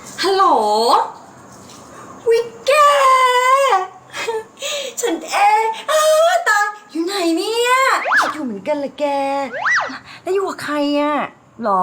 ฮัลโหลวิกแกฉันเองตายอยู่ไหนเนี่ยอยู่เหมือนกันเลยแกแล้วอยู่กับใครอ่ะหรอ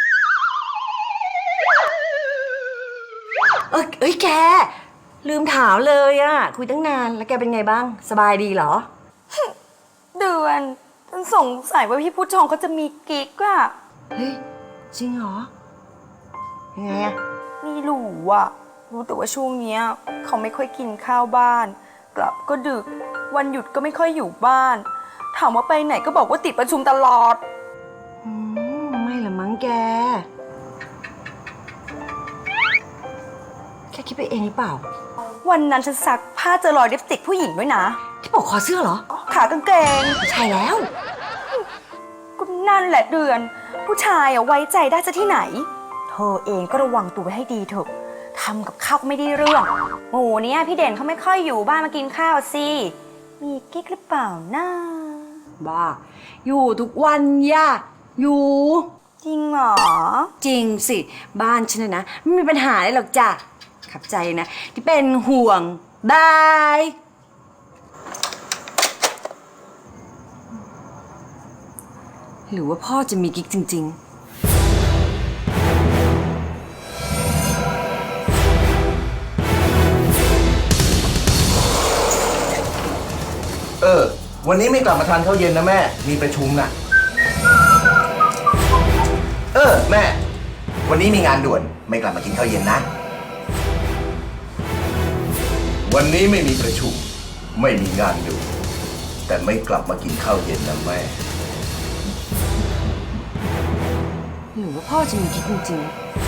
เอ้ยแกลืมถามเลยอ่ะคุยตั้งนานแล้วแกเป็นไงบ้างสบายดีเหรอเดือนฉันสงสัยว่าพี่พุทธชงเขาจะมีกิ๊กอะเฮ้ยจริงเหรอยังไงอะไม่รู้อะรู้แต่ว่าช่วงเนี้ยเขาไม่ค่อยกินข้าวบ้านกลับก็ดึกวันหยุดก็ไม่ค่อยอยู่บ้านถามว่าไปไหนก็บอกว่าติดประชุมตลอดไม่ละมั้งแกแค่คิดไปเองหรือเปล่าวันนั้นฉันซักผ้าเจอรอยลิปสติกผู้หญิงด้วยนะที่บอกคอเสื้อเหรอขากางเกงใช่แล้วก็นั่นแหละเดือนผู้ชายอะไว้ใจได้จะที่ไหนเธอเองก็ระวังตัวไว้ให้ดีเถอะทำกับข้าวไม่ได้เรื่องโหเนี่ยพี่เด่นเขาไม่ค่อยอยู่บ้านมากินข้าวสิมีกิ๊กหรือเปล่านะบ้าอยู่ทุกวันย่าอยู่จริงเหรอจริงสิบ้านฉันนะไม่มีปัญหาเลยหรอกจ้ะขับใจนะที่เป็นห่วงบายหรือว่าพ่อจะมีกิ๊กจริงๆวันนี้ไม่กลับมาทานข้าวเย็นนะแม่มีประชุมน่ะแม่วันนี้มีงานด่วนไม่กลับมากินข้าวเย็นนะวันนี้ไม่มีประชุมไม่มีงานด่วนแต่ไม่กลับมากินข้าวเย็นนะแม่หรือว่าพ่อจะมีกิ๊กจริงๆ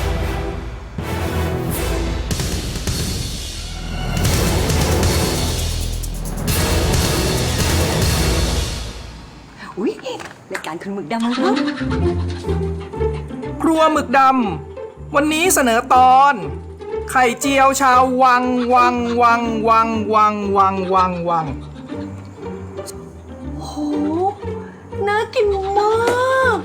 อุ๊ยรายการคุณหมึกดำมาแล้วครัวหมึกดำวันนี้เสนอตอนไข่เจียวชาววังโหน่ากินมาก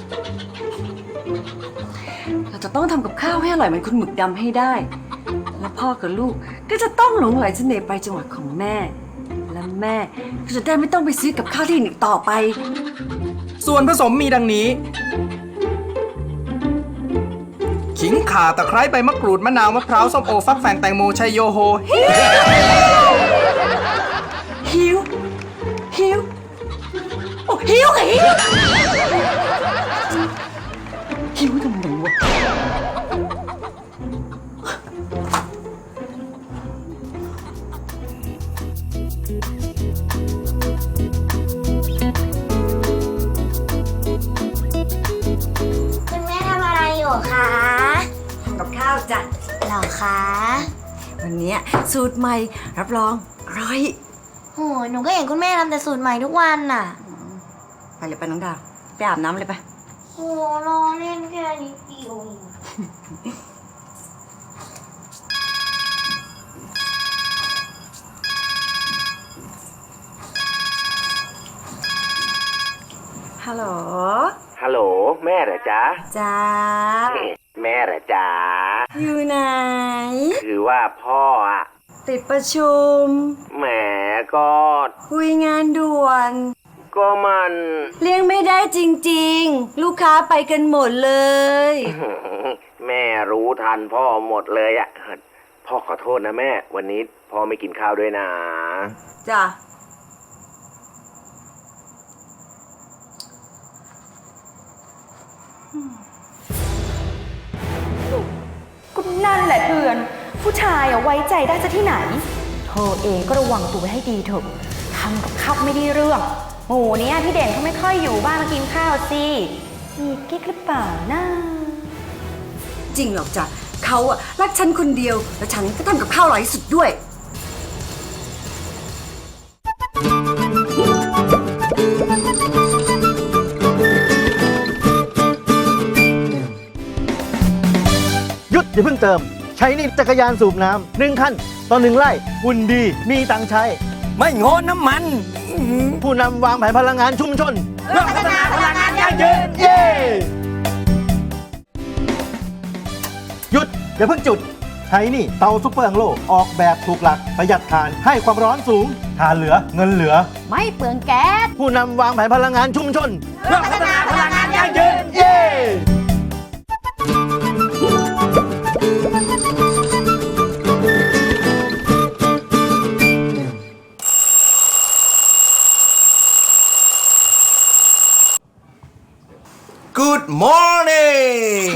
เราจะต้องทำกับข้าวให้อร่อยเหมือนคุณหมึกดำให้ได้และพ่อกับลูกก็จะต้องหลงไหลเสน่ห์ไปจังหวัดของแม่และแม่ก็จะได้ไม่ต้องไปซื้อกับข้าวที่อื่นอีกต่อไปส่วนผสมมีดังนี้ขิงข่าตะไคร้ใบมะกรูดมะนาวมะพร้าวส้มโอฟักแฟงแตงโมชัยโยโฮหิวโอ้หิวทำไมวะคุณแม่ทำอะไรอยู่คะทำกับข้าวจ้ะหรอคะวันนี้สูตรใหม่รับรองอร่อยโหหนูก็เห็นคุณแม่ทำแต่สูตรใหม่ทุกวันน่ะไปเลยไปน้องดาวไปอาบน้ำเลยไปโหรอเล่นแค่นิดเดียวฮัลโหลฮัลโหลแม่เหรอจ๊ะจ้าแม่เหรอจ๊ะอยู่ไหนคือว่าพ่ออะติดประชุมแหมก็คุยงานด่วนก็มันเลี้ยงไม่ได้จริงๆลูกค้าไปกันหมดเลยแม่รู้ทันพ่อหมดเลยอะพ่อขอโทษนะแม่วันนี้พ่อไม่กินข้าวด้วยนะจ้ะก็นั่นแหละเดือนผู้ชายอะไว้ใจได้จะที่ไหนเธอเองก็ระวังตัวไว้ให้ดีเถอะทำกับข้าวไม่ได้เรื่องโหเนี่ยพี่เด่นเขาไม่ค่อยอยู่บ้านมากินข้าวสิมีกิ๊กหรือเปล่านะจริงหรอกจ้ะเขาอะรักฉันคนเดียวและฉันก็ทำกับข้าวอร่อยที่สุดด้วยหยุดอย่าเพิ่งเติมใช้นี่จักรยานสูบน้ำ1 คันต่อ 1 ไร่หุ่นดีมีตังใช้ไม่งอน้ำมันผู้นำวางแผนพลังงานชุมชนเพื่อพัฒนาพลังงานยั่งยืนเย้หยุดอย่าเพิ่งจุดใช้นี่เตาซุปเปอร์อังโลออกแบบถูกหลักประหยัดถ่านให้ความร้อนสูงถ่านเหลือเงินเหลือไม่เปลืองแก๊สผู้นำวางแผนพลังงานชุมชนเพื่อพัฒนาพลังงานยั่งยืนเย้ Good morning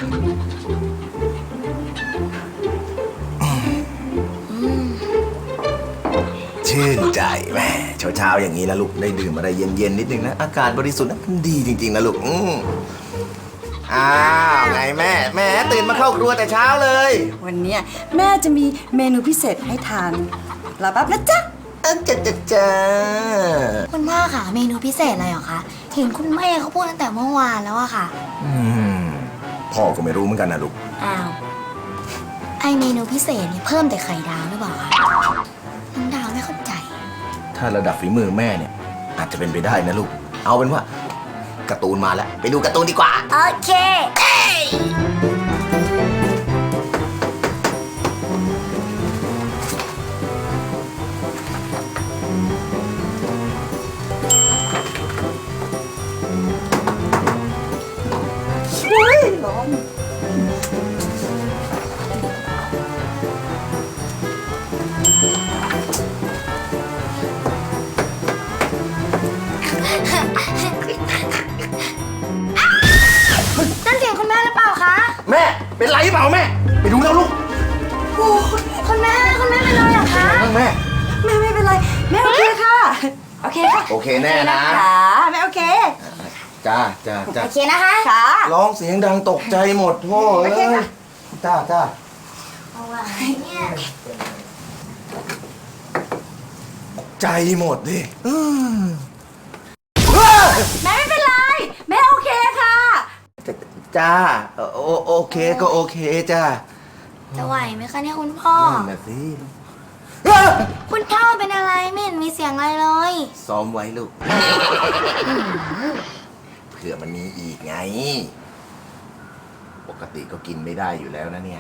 ชื่นใจแม่เช้าๆอย่างนี้นะลูกได้ดื่มอะไรเย็นๆนิดนึงนะอากาศบริสุทธิ์นะมันดีจริงๆนะลูกอ้าวไงแม่ตื่นมาเข้าครัวแต่เช้าเลยวันเนี้ยแม่จะมีเมนูพิเศษให้ทานรอแป๊บนะจ๊ะจ้าคุณพ่อค่ะเมนูพิเศษอะไรเหรอคะเห็นคุณแม่เขาพูดตั้งแต่เมื่อวานแล้วอะค่ะพ่อก็ไม่รู้เหมือนกันนะลูกอ้าวไอเมนูพิเศษเนี่ยเพิ่มแต่ไข่ดาวหรือเปล่าคะน้องดาวไม่เข้าใจถ้าระดับฝีมือแม่เนี่ยอาจจะเป็นไปได้นะลูกเอาเป็นว่าการ์ตูนมาแล้วไปดูการ์ตูนดีกว่าโอเค นั่นเสียงคุณแม่หรือเปล่าคะแม่เป็นไรเปล่าแม่ไปดูแล้วลูกคุณแม่เป็นอะไรเหรอคะแม่แม่ไม่เป็นไร แม่โอเคค่ะ โอเคค่ะโอเคแน่นะค่ะแม่โอเคจ้าโอเคนะคะค่ะร้องเสียงดังตกใจหมดโธ่เอ้ยจ้าเอาไว้เนี่ยใจหมดดิแม่ไม่เป็นไร แม่โอเคค่ะจ้าโอเคก็โอเคจ้าจะไหวไหมคะเนี่ยคุณพ่อนั่นน่ะสิคุณพ่อเป็นอะไรไม่เห็นมีเสียงอะไรเลยซ้อมไว้ลูกเผื่อมันมีอีกไง ปกติก็กินไม่ได้อยู่แล้วนะเนี่ย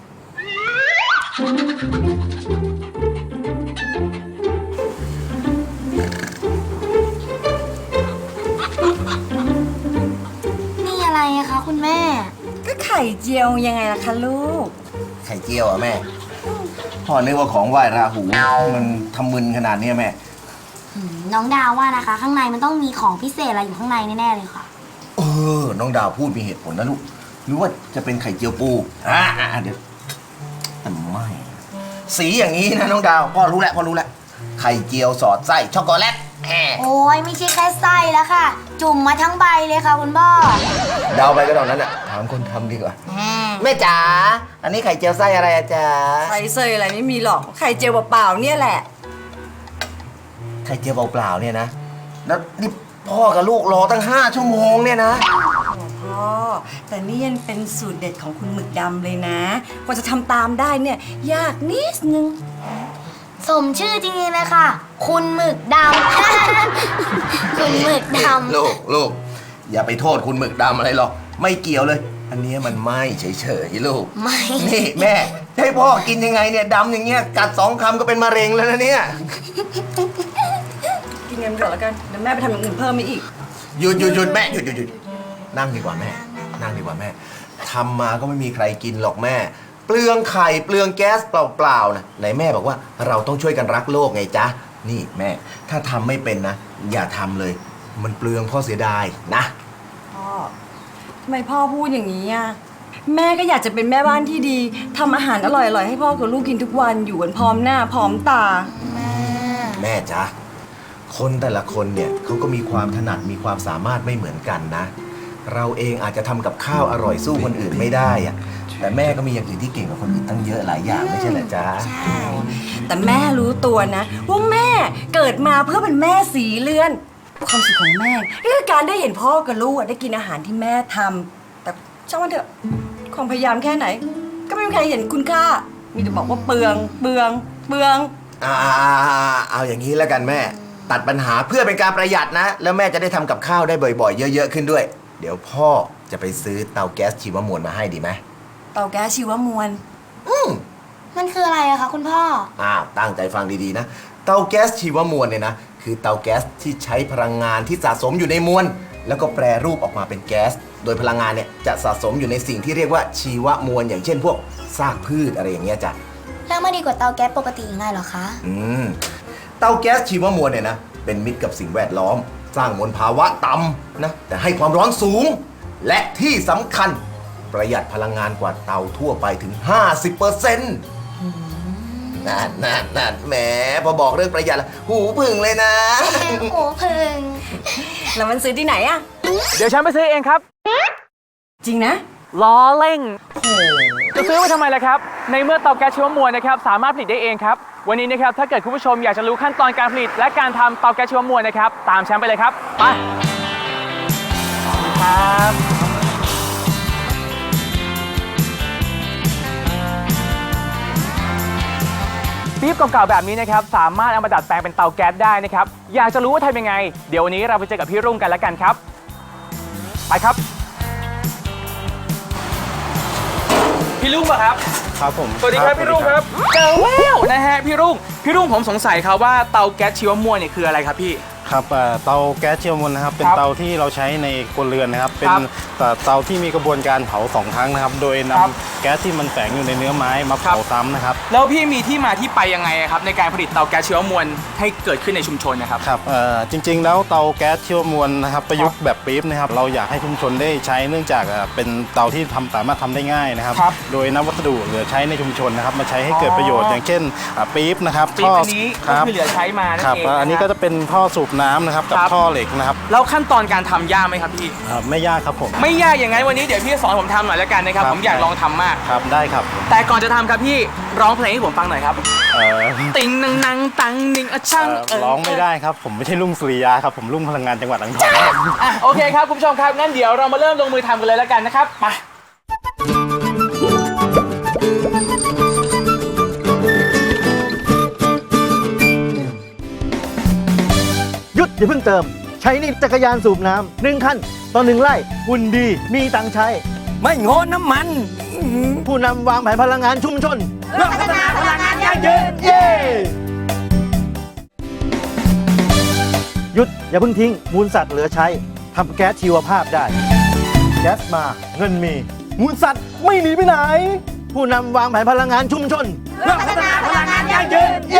นี่อะไรอะคะคุณแม่ก็ไข่เจียวยังไงล่ะคะลูกไข่เจียวอ่ะแม่ พ่อนึกว่าของไหว้ราหู มันทำมึนขนาดเนี้ยแม่น้องดาวว่านะคะ ข้างในมันต้องมีของพิเศษอะไรอยู่ข้างในแน่ๆเลยค่ะน้องดาวพูดมีเหตุผลนะลูก หรือว่าจะเป็นไข่เจียวปูเดี๋ยวแต่ไม่ สีอย่างนี้นะน้องดาว พ่อรู้แล้วไข่เจียวสอดไส้ช็อกโกแลตโอ้ยไม่ใช่แค่ไส้แล้วค่ะ จุ่มมาทั้งใบเลยค่ะคุณพ่อเดาไปก็ตอนนั้นอ่ะ ถามคนทำดีกว่า แม่จ๋า อันนี้ไข่เจียวไส้อะไรอะจ๊ะไข่เซยอะไรไม่มีหรอก ไข่เจียวเปล่าๆเนี่ยแหละไข่เจียวเปล่าๆเนี่ยนะ แล้วนี่พ่อกับลูกรอตั้ง5 ชั่วโมงเนี่ยนะพ่อ แต่นี่ยังเป็นสูตรเด็ดของคุณหมึกดำเลยนะ กว่าจะทำตามได้เนี่ย ยากนิดนึงสมชื่อจริงๆเลยค่ะ คุณหมึกดำ คุณหมึกดำลูกอย่าไปโทษคุณหมึกดำอะไรหรอก ไม่เกี่ยวเลย อันเนี้ยมันไหม่เฉยๆลูกไม่นี่แม่ให้พ่อกินยังไงเนี่ยดำอย่างเงี้ยกัด2 คำก็เป็นมะเร็งแล้วนะเนี่ยกินเงินก่อนแล้วกัน เดี๋ยวแม่ไปทำอย่างอื่นเพิ่มมาอีกหยุดแม่หยุดนั่งดีกว่าแม่ทำมาก็ไม่มีใครกินหรอกแม่ เปลืองไข่เปลืองแก๊สเปล่าๆนะไหนแม่บอกว่าเราต้องช่วยกันรักโลกไงจ๊ะนี่แม่ถ้าทำไม่เป็นนะอย่าทำเลย มันเปลืองพ่อเสียดายนะพ่อ ทำไมพ่อพูดอย่างนี้อ่ะ แม่ก็อยากจะเป็นแม่บ้านที่ดีทำอาหารอร่อยๆให้พ่อกับลูกกินทุกวันอยู่กันพร้อมหน้าพร้อมตาแม่จ๊ะคนแต่ละคนเนี่ยเขาก็มีความถนัดมีความสามารถไม่เหมือนกันนะ เราเองอาจจะทำกับข้าวอร่อยสู้คนอื่นไม่ได้อะแต่แม่ก็มีอย่างอื่นที่เก่งกว่าคนอื่นตั้งเยอะหลายอย่างไม่ใช่เหรอจ๊ะแต่แม่รู้ตัวนะว่าแม่เกิดมาเพื่อเป็นแม่สีเลือน ความสุขของแม่คือการได้เห็นพ่อกับลูกได้กินอาหารที่แม่ทำแต่ช่างมันเถอะความพยายามแค่ไหน ก็ไม่มีใครเห็นคุณค่า มีแต่บอกว่าเปลืองเอาอย่างนี้แล้วกันแม่ ตัดปัญหาเพื่อเป็นการประหยัดนะ แล้วแม่จะได้ทำกับข้าวได้บ่อยๆ เยอะๆขึ้นด้วย เดี๋ยวพ่อจะไปซื้อเตาแก๊สชีวมวลมาให้ดีไหมเตาแก๊สชีวมวลมันคืออะไรอะคะคุณพ่อตั้งใจฟังดีๆนะ เตาแก๊สชีวมวลเนี่ยนะคือเตาแก๊สที่ใช้พลังงานที่สะสมอยู่ในมวลแล้วก็แปรรูปออกมาเป็นแก๊สโดยพลังงานเนี่ยจะสะสมอยู่ในสิ่งที่เรียกว่าชีวมวลอย่างเช่นพวกซากพืชอะไรอย่างเงี้ยจ้ะแล้วมันดีกว่าเตาแก๊สปกติยังไงเหรอคะเตาแก๊สชีวมวลเนี่ยนะเป็นมิตรกับสิ่งแวดล้อม สร้างมลภาวะต่ำนะแต่ให้ความร้อนสูง และที่สำคัญประหยัดพลังงานกว่าเตาทั่วไปถึง 50%นั่นแหมพอบอกเรื่องประหยัดแล้วหูผึ่งเลยนะโอ้พึงแล้วมันซื้อที่ไหนอะเดี๋ยวฉันไปซื้อเองครับจริงนะล้อเล่งจะซื้อไปทำไมล่ะครับ ในเมื่อเตาแก๊สชีวมวลนะครับสามารถผลิตได้เองครับ วันนี้นะครับถ้าเกิดคุณผู้ชมอยากจะรู้ขั้นตอนการผลิต และการทำเตาแก๊สชีวมวลนะครับตามฉันไปเลยครับไปครับ ปี๊บเก่าๆแบบนี้นะครับสามารถเอามาดัดแปลงเป็นเตาแก๊สได้นะครับอยากจะรู้ว่าทำยังไงเดี๋ยววันนี้เราไปเจอกับพี่รุ่งกันแล้วกันครับไปครับพี่รุ่งป่ะครับครับผมสวัสดีครับพี่รุ่งครับเจอแววนะฮะพี่รุ่งผมสงสัยครับว่าเตาแก๊สชีวมวลเนี่ยคืออะไรครับพี่ครับเตาแก๊สชีวมวลนะครับเป็นครับเตาที่เราใช้ในครัวเรือนนะครับเป็นครับเตาที่มีกระบวนการเผา2 ครั้งนะครับโดยนำครับแก๊สที่มันแฝงอยู่ในเนื้อไม้มาเผาซ้ำนะครับแล้วพี่มีที่มาที่ไปยังไงครับในการผลิตเตาแก๊สชีวมวลให้เกิดขึ้นในชุมชนนะครับครับจริงๆแล้วเตาแก๊สชีวมวลนะครับประยุกต์แบบปี๊บนะครับเราอยากให้ชุมชนได้ใช้เนื่องจากเป็นเตาที่สามารถทำได้ง่ายนะครับครับโดยนำวัสดุเหลือใช้ในชุมชนนะครับมาใช้ให้เกิดประโยชน์อย่างเช่นปี๊บนะครับปี๊บอันนี้คก็รับคือเหลือใช้มานั่นครับเองอันนี้ก็จะเป็นท่อสูบน้ำนะครับกับครับท่อเหล็กนะครับแล้วขั้นตอนการทำยากไหมครับพี่ไม่ยากครับผมไม่ยากอย่างนั้นวันนี้เดี๋ยวพี่สอนผมทำหน่อยแล้วกันนะครับครับผมอยากลองทำมากครับได้ครับแต่ก่อนจะทำครับพี่ร้องเพลงให้ผมฟังหน่อยครับเอ่อติงนังนังตังนิงอะช่างร้องไม่ได้ครับผมไม่ใช่ลุงสุริยาครับผมลุงพลังงานจังหวัดอ่างทองอ่ะโอเคครับคุณผู้ชมครับงั้นเดี๋ยวเรามาเริ่มลงมือทำกันเลยแล้วกันนะครับไปหยุดอย่าเพิ่งเติม ใช้นี่จักรยานสูบน้ำ1 คันต่อ 1 ไร่หุ่นดีมีตังค์ใช้ไม่งอน้ำมันผู้นำวางแผนพลังงานชุมชนเพื่อพัฒนาพลังงานยั่งยืนเย้หยุดอย่าเพิ่งทิ้งมูลสัตว์เหลือใช้ทำแก๊สชีวภาพได้ แก๊สมาเงินมี มูลสัตว์ไม่หนีไปไหน ผู้นำวางแผนพลังงานชุมชนเพื่อพัฒนาพลังงานยั่งยืนเย้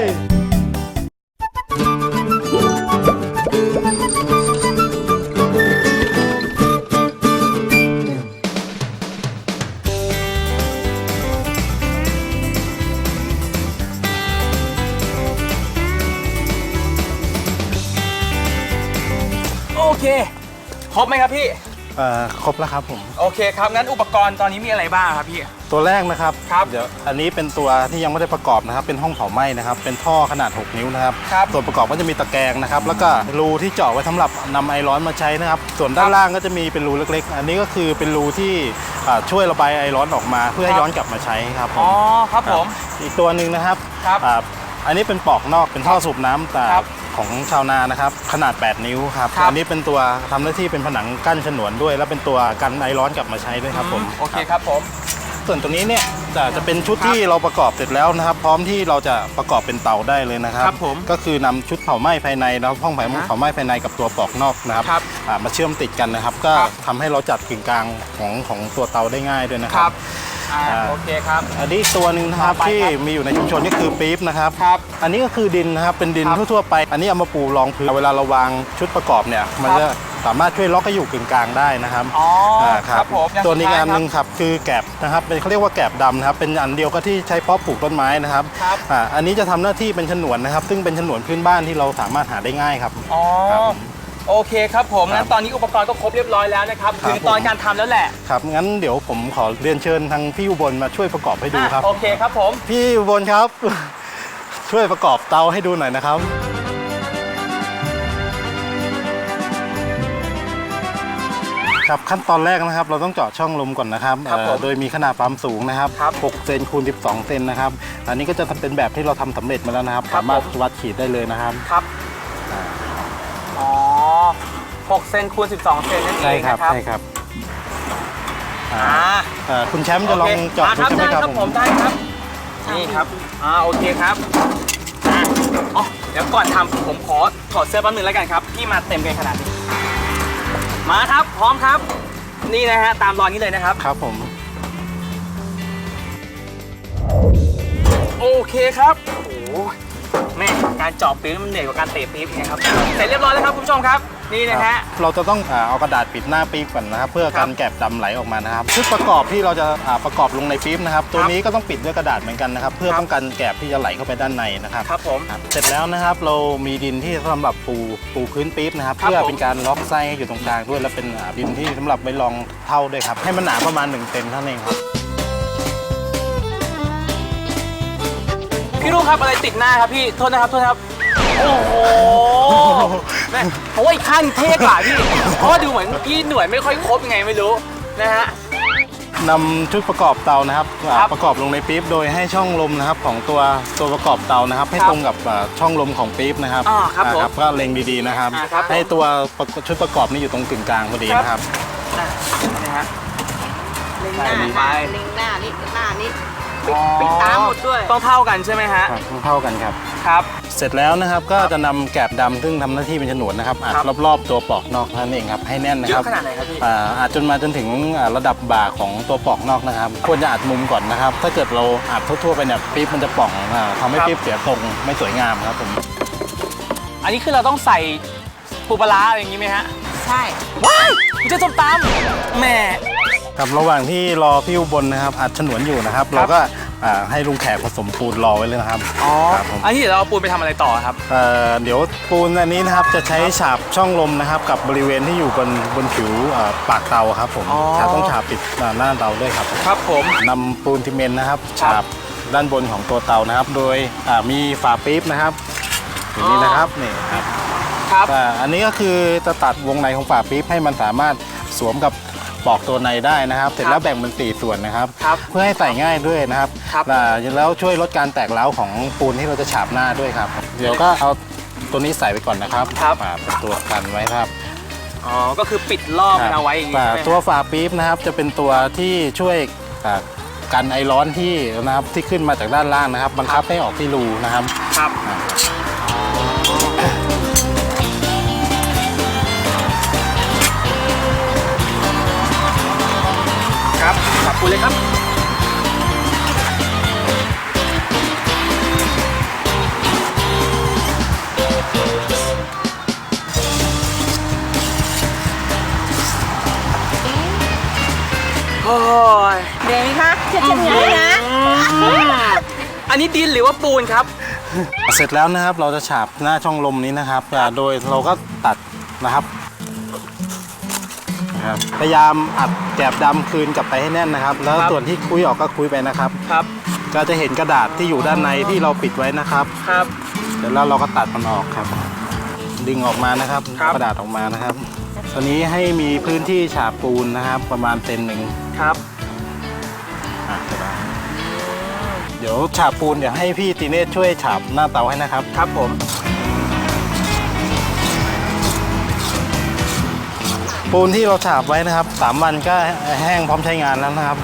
โอเคครบไหมครับพี่ครบแล้วครับผมโอเคครับงั้นอุปกรณ์ตอนนี้มีอะไรบ้างครับพี่ตัวแรกนะครับครับเดี๋ยวอันนี้เป็นตัวที่ยังไม่ได้ประกอบนะครับเป็นห้องเผาไหม้นะครับเป็นท่อขนาด 6 นิ้วนะครับครับส่วนประกอบก็จะมีตะแกรงนะครับแล้วก็รูที่เจาะไว้สำหรับนำไอร้อนมาใช้นะครับส่วนด้านล่างก็จะมีเป็นรูเล็กๆ อันนี้ก็คือเป็นรูที่ช่วยระบายไอร้อนออกมาเพื่อให้ย้อนกลับมาใช้ครับผมอ๋อครับผมอีกตัวหนึ่งนะครับครับอันนี้เป็นปอกนอกเป็นท่อสูบน้ำแต่ครับของชาวนานะครับขนาด 8 นิ้วครับครับอันนี้เป็นตัวทำหน้าที่เป็นผนังกั้นฉนวนด้วย และเป็นตัวกันไอร้อนกลับมาใช้ด้วยครับผมโอเคครับผมส่วนตัวนี้เนี่ยจะเป็นชุดที่เราประกอบเสร็จแล้วนะครับ พร้อมที่เราจะประกอบเป็นเตาได้เลยนะครับครับผมก็คือนำชุดเผาไหม้ภายในแล้วห้องเผาไหม้ภายในกับตัวปอกนอกนะครับครับมาเชื่อมติดกันนะครับ ก็ครับทำให้เราจัดกึ่งกลางของตัวเตาได้ง่ายด้วยนะคครัรับ บโอเคครับอันนี้อีกตัวหนึ่งนะครับต่อไปที่ครับมีอยู่ในชุมชนก็คือปี๊บนะครับครับอันนี้ก็คือดินนะครับเป็นดินครับทั่วๆไป อันนี้เอามาปูรองพื้นเวลาเราวางชุดประกอบเนี่ยมันครับจะสามารถช่วยล็อกให้อยู่กึ่งกลางได้นะครับอ๋อครับผมอย่างตัวนี้สุดท้ายอันหนึงครับคือแกบนะครับเป็นเขาเรียกว่าแกบดำนะครับเป็นอันเดียวก็ที่ใช้เพาะปลูกต้นไม้นะครับครับอันนี้จะทำหน้าที่เป็นฉนวนนะครับ ซึ่งเป็นฉนวนพื้นบ้านที่เราสามารถหาได้ง่ายครับอ๋อครับโอเคครับผมครับงั้นตอนนี้อุปกรณ์ก็ครบเรียบร้อยแล้วนะครับครับถึงตอนการทำแล้วแหละครับงั้นเดี๋ยวผมขอเรียนเชิญทางพี่อุบลมาช่วยประกอบให้ดูครับโอเคครับผมพี่อุบลครับ ช่วยประกอบเตาให้ดูหน่อยนะครับ ครับขั้นตอนแรกนะครับ เราต้องเจาะช่องลมก่อนนะครับครับผมโดยมีขนาดความสูงนะครับครับ 6 เซนคูณ 12 เซนนะครับ อันนี้ก็จะเป็นแบบที่เราทำสำเร็จมาแล้วนะครับครับสามารถผมวัดขีดได้เลยนะครับครับอ๋อ6 เซนคูณ 12 เซนนั่นเอใช่งครับนะครับใช่ครับคุณแชมป์จะลองเจาะดูใช่ไหมครับผมได้ครับนี่ครับโอเคครับอ๋อเดี๋ยวก่อนทำผมขอถอดเสื้อแป๊บนึงแล้วกันครับพี่มาเต็มกันขนาดนี้มาครับพร้อมครับนี่นะฮะตามรอยนี้เลยนะครับครับผมโอเคครับโอ้โหแม่การเจาะปี๊บมันเหนื่อยกว่าการเตะปี๊บนะครับเสร็จเรียบร้อยแล้วครับคุณผู้ชมครับนี่นะฮะเราจะต้องเอากระดาษปิดหน้าปี๊บก่อนนะครับเพื่อการแกบดำไหลออกมานะครับชุดประกอบที่เราจะประกอบลงในปี๊บนะครับตัวนี้ก็ต้องปิดด้วยกระดาษเหมือนกันนะครับเพื่อป้องกันแกบที่จะไหลเข้าไปด้านในนะครับครับผมเสร็จแล้วนะครับเรามีดินที่สำหรับปูพื้นปี๊บนะครับครับเพื่อเป็นการล็อกไส้ให้อยู่ตรงกลางด้วยและเป็นดินที่สำหรับไว้รองเท่าด้วยครับให้มันหนาประมาณ1 เซนเท่านั้นเองครับพี่ลูกครับอะไรติดหน้าครับพี่โทษนะครับโอ้โหแม่เพราะว่าอีกขั้นเท่กว่าพี่เพราะว่าดูเหมือนพี่หน่วยไม่ค่อยครบยังไงไม่รู้นะฮะนำชุดประกอบเตานะครับครับประกอบลงในปี๊บโดยให้ช่องลมนะครับของตัวประกอบเตานะครับให้ครับตรงกับช่องลมของปี๊บนะครับครับผมก็เล็งดีๆนะครับครับผมให้ตัวชุดประกอบนี้อยู่ตรงกึ่งกลางพอดีนะครับนะฮะเล็งหใส่น้าไปเล็งหน้านี่หน้านี่ปิดตาหมดด้วยต้องเท่ากันใช่ไหมฮะครับเท่ากันครับครับเสร็จแล้วนะครับก็จะนำแกบดำซึ่งทำหน้าที่เป็นฉนวนนะครับอัดครับรอบๆตัวปอกนอกนั่นเองครับให้แน่นนะเยครัอะบขนาดไหนครับพี่อัดจนถึงระดับบ่าของตัวปอกนอกนะครับควรจะอัดมุมก่อนนะครับ ถ้าเกิดเราอัดทั่วๆไปเนี่ยปี๊บมันจะป่องทำให้ปี๊บเสียทรงไม่สวยงามครับผมอันนี้คือเราต้องใส่ปูปลาร้าอะไรอย่างนี้ไหมฮะใช่ว้ายมันจะส้มตำแหม่ครับระหว่างที่รอพี่อุบลนะครับอัดฉนวนอยู่นะครับ เราก็ให้ลุงแขกผสมปูนรอไว้เลยนะครับครับผมอันนี้เดี๋ยวเราเอาปูนไปทำอะไรต่อครับเดี๋ยวปูนอันนี้นะครับจะใช้ฉาบช่องลมนะครับกับบริเวณที่อยู่บนผิวปากเตาครับผมอ๋อต้องฉาบปิดหน้าเตาด้วยครับครับผมนำปูนซีเมนต์นะครับฉาบด้านบนของตัวเตานะครับ โดยมีฝาปี๊บนะครับอย่างนี้นะครับนี่ครับครับอันนี้ก็คือจะตัดวงในของฝาปี๊บให้มันสามารถสวมกับปอกตัวในได้นะครับ เสร็จแล้วแบ่งเป็น4 ส่วนนะครับครับเพื่อให้ใส่ง่ายด้วยนะครับครับแล้วช่วยลดการแตกร้าวของปูนที่เราจะฉาบหน้าด้วยครับ เดี๋ยวก็เอาตัวนี้ใส่ไปก่อนนะครับเป็นตัวกันไว้ครับอ๋อก็คือปิดรอบมันเอาไว้อย่างนี้ใช่ไหมตัวฝาปี๊บนะครับจะเป็นตัวที่ช่วยกันไอร้อนที่นะครับที่ขึ้นมาจากด้านล่างนะครับ บังคับให้ออกที่รูนะครับครับ ครับขอบคุณเลยครับโอ้ยเดี๋ยวนี้คะเช็ดๆอย่างนี้นะอันนี้ดินหรือว่าปูนครับเสร็จแล้วนะครับเราจะฉาบหน้าช่องลมนี้นะครับโดยเราก็ตัดนะครับพยายามอัดแกบดำคืนกลับไปให้แน่นนะครับ แล้วครับส่วนที่คุยออกก็คุยไปนะครับครับก็จะเห็นกระดาษที่อยู่ด้านในที่เราปิดไว้นะครับครับเสร็จแล้วเราก็ตัดมันออกครับ ดึงออกมานะครับครับกระดาษออกมานะครับ ตอนนี้ให้มีพื้นที่ฉาบปูนนะครับ ประมาณ1 เซนครับเดี๋ยวฉาบปูนเดี๋ยวให้พี่ตีเนตช่วยฉาบหน้าเตาให้นะครับครับผมปูนที่เราฉาบไว้นะครับ3 วันก็แห้งพร้อมใช้งานแล้วนะครับ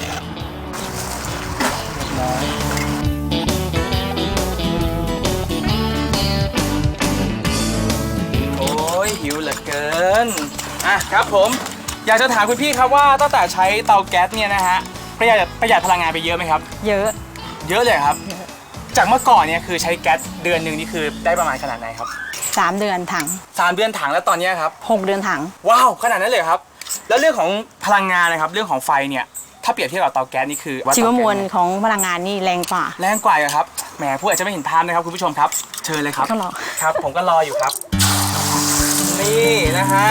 โอ้ยหิวเหลือเกินครับผมอยากจะถามคุณพี่ครับว่าตั้งแต่ใช้เตาแก๊สเนี่ยนะฮะประหยัดพลังงานไปเยอะไหมครับเยอะเยอะเลยครับ จากเมื่อก่อนเนี่ยคือใช้แก๊สเดือนหนึ่งนี่คือได้ประมาณขนาดไหนครับ 3 เดือนถัง 3 เดือนถังแล้วตอนเนี้ยครับ 6 เดือนถังว้าวขนาดนั้นเลยครับ แล้วเรื่องของพลังงานนะครับเรื่องของไฟเนี่ยถ้าเปรียบเทียบกับเตาแก๊สนี่คือชีวมวลเตาแก๊สเนี่ยของพลังงานนี่แรงกว่าแรงกว่าครับแหมผู้อาจจะไม่เห็นภาพนะครับคุณผู้ชมครับ เชิญเลยครับก็รอครับ ผมก็รออยู่ครับ นี่นะฮะ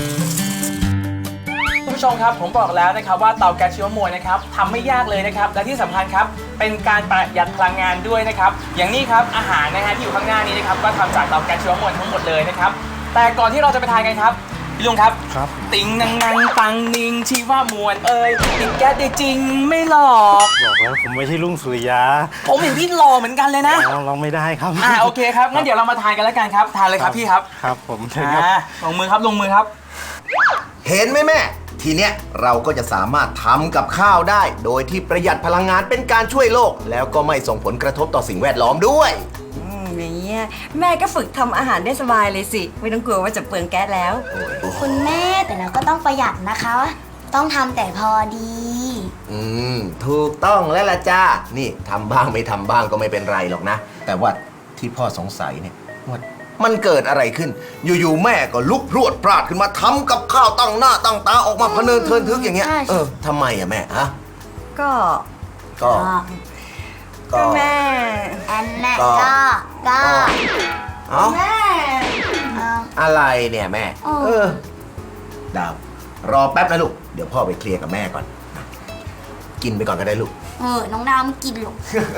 คุณผู้ชมครับผมบอกแล้วนะครับว่าเตาแก๊สชีวมวลนะครับทำไม่ยากเลยนะครับและที่สำคัญครับเป็นการประหยัดพลังงานด้วยนะครับอย่างนี้ครับอาหารนะฮะที่อยู่ข้างหน้านี้นะครับก็ทำจากเตาแก๊สชีวมวลทั้งหมดเลยนะครับแต่ก่อนที่เราจะไปทานกันครับพี่ลุงครับครับติงนังนังตังนิงชีวมวลติดแก๊สได้จริงไม่หลอกบอกแล้วผมไม่ใช่ลุงสุริยาผมเห็นพี่หล่อเหมือนกันเลยนะลองไม่ได้ครับโอเคครับงั้นเดี๋ยวเรามาทานกันแล้วกันครับทานเลยครับพี่ครับครับผมเชิญครับลงมือครับลงมือครับเห็นไหมแม่ทีเนี้ยเราก็จะสามารถทำกับข้าวได้ โดยที่ประหยัดพลังงานเป็นการช่วยโลก แล้วก็ไม่ส่งผลกระทบต่อสิ่งแวดล้อมด้วยอย่างเงี้ยแม่ก็ฝึกทำอาหารได้สบายเลยสิ ไม่ต้องกลัวว่าจะเปลืองแก๊สแล้วคุณแม่แต่เราก็ต้องประหยัดนะคะ ต้องทำแต่พอดีถูกต้องแล้วล่ะจ้านี่ทำบ้างไม่ทำบ้างก็ไม่เป็นไรหรอกนะ แต่ว่าที่พ่อสงสัยเนี่ยว่ามันเกิดอะไรขึ้น อยู่ๆแม่ก็ลุกพรวดพราดขึ้นมาทำกับข้าวตั้งหน้าตั้งตาออกมาพะเนินเทินทึกอย่างเงี้ยใช่ทำไมอะแม่ฮะก็ก็แม่อันน่ะก็ก็เอ้าแม่เอาอะไรเนี่ยแม่อ๋อดาว รอแป๊บนะลูก เดี๋ยวพ่อไปเคลียร์กับแม่ก่อน กินไปก่อนก็ได้ลูกน้องดาวไม่กินหรอก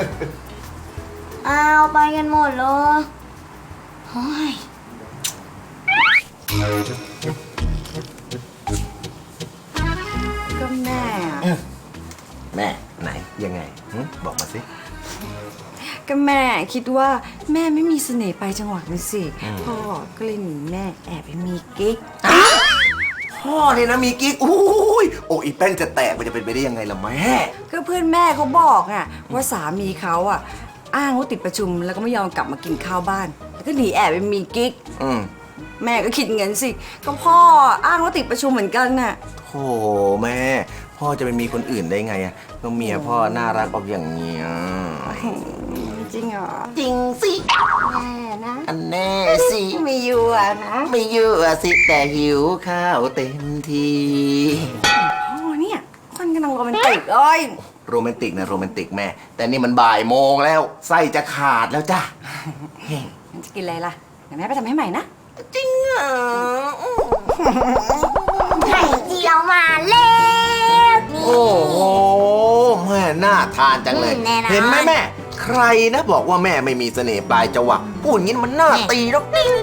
เอาไปกันหมดเลยโอ้ยก็แม่อะแม่ไหนยังไงบอกมาสิก็แม่คิดว่าแม่ไม่มีเสน่ห์ไปจังหวัดนี่สิพ่อก็เลยหนีแม่แอบไปมีกิ๊กพ่อเนี่ยนะมีกิ๊กโอ้ยอกอีแป้นจะแตกมันจะเป็นไปได้ยังไงล่ะแม่ก็เพื่อนแม่เขาบอกอะว่าสามีเขาอะอ้างว่าติดประชุมแล้วก็ไม่ยอมกลับมากินข้าวบ้านแล้วก็หนีแอบไปมีกิ๊ก แม่ก็คิดเงินสิ ก็พ่ออ้างว่าติดประชุมเหมือนกันน่ะโธ่แม่ พ่อจะไปมีคนอื่นได้ไงอะก็เมียพ่อน่ารักออกอย่างเงี้ยจริงเหรอจริงสิแม่นะอันแน่สิไม่อยู่อะนะไม่เยอะสิแต่หิวข้าวเต็มทีโอ้เนี่ยคนกำลังโรแมนติกเอ้ยโรแมนติกนะโรแมนติกแม่ แต่นี่มันบ่ายโมงแล้วไส้จะขาดแล้วจ้ะมันจะกินอะไรล่ะเดี๋ยวแม่ไปทำให้ใหม่นะจริงเหรอไข่เจียวมาแล้วนี่โอ้โหแม่น่าทานจังเลยแน่นอนเห็นไหมแม่ ใครนะบอกว่าแม่ไม่มีเสน่ห์ปลายจวักพูดอย่างนี้มันน่าตีแล้ว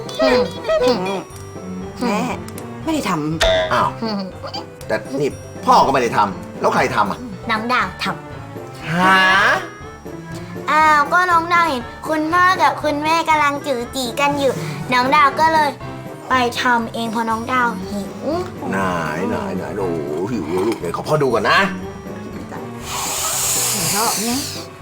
แม่ไม่ได้ทอ้าว แต่นี่พ่อก็ไม่ได้ทำแล้วใครทำอ่ะน้องดาวทหาำอ้าวก็น้องดาวเห็นคุณพ่อกับคุณแม่กำลังจือจีกันอยู่ น้องดาวก็เลย ไปทำเองเพราะน้องดาวหิวไหนโอ้โหหิวแล้วลูกเดี๋ยวขอพ่อดูก่อนนะำชอบเนี่ย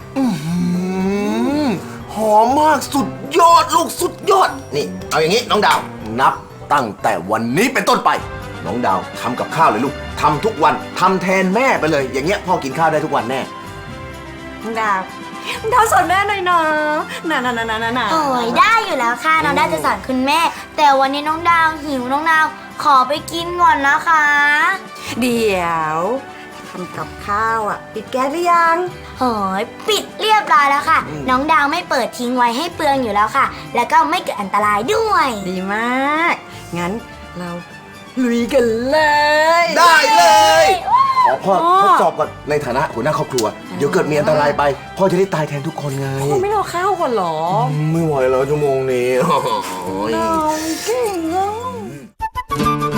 หอมมากสุดยอดลูกสุดยอด นี่ เอาอย่างนี้น้องดาว นับตั้งแต่วันนี้เป็นต้นไป น้องดาวทำกับข้าวเลยลูกทำทุกวันทำแทนแม่ไปเลย อย่างเงี้ยพ่อกินข้าวได้ทุกวันแน่ดาวดาวสอนแม่หน่อยนะน่ะโอ้ยได้อยู่แล้วค่ะ น้องดาวจะสอนคุณแม่ แต่วันนี้น้องดาวหิวน้องดาวขอไปกินก่อนนะคะเดี๋ยวทำกับข้าวอ่ะปิดแก๊สหรือยังโอ้ยปิดเรียบร้อยแล้วค่ะ น้องดาวไม่เปิดทิ้งไว้ให้เปลืองอยู่แล้วค่ะ แล้วก็ไม่เกิดอันตรายด้วยดีมาก งั้นเราลุยกันเลยได้เลย ขอพ่อทดสอบก่อนในฐานะหัวหน้าครอบครัว เดี๋ยวเกิดมีอันตรายไป พ่อจะได้ตายแทนทุกคนไงคุณไม่รอข้าวก่อนเหรอไม่ไหวแล้วชั่วโมงนี้โอ้ยเราเก่งอ่ะ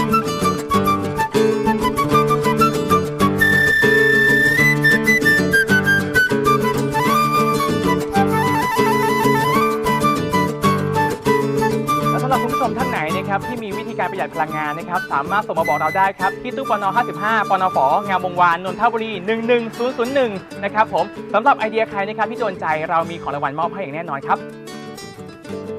และสำหรับคุณผู้ชมท่านไหนนะครับที่มีวิธีการประหยัดพลังงานนะครับสามารถส่งมาบอกเราได้ครับที่ตู้ปน55ปนฝงามวงวานนนทบุรี11001นะครับผมสำหรับไอเดียใครนะครับที่โดนใจเรามีของรางวัลมอบให้อย่างแน่นอนครับ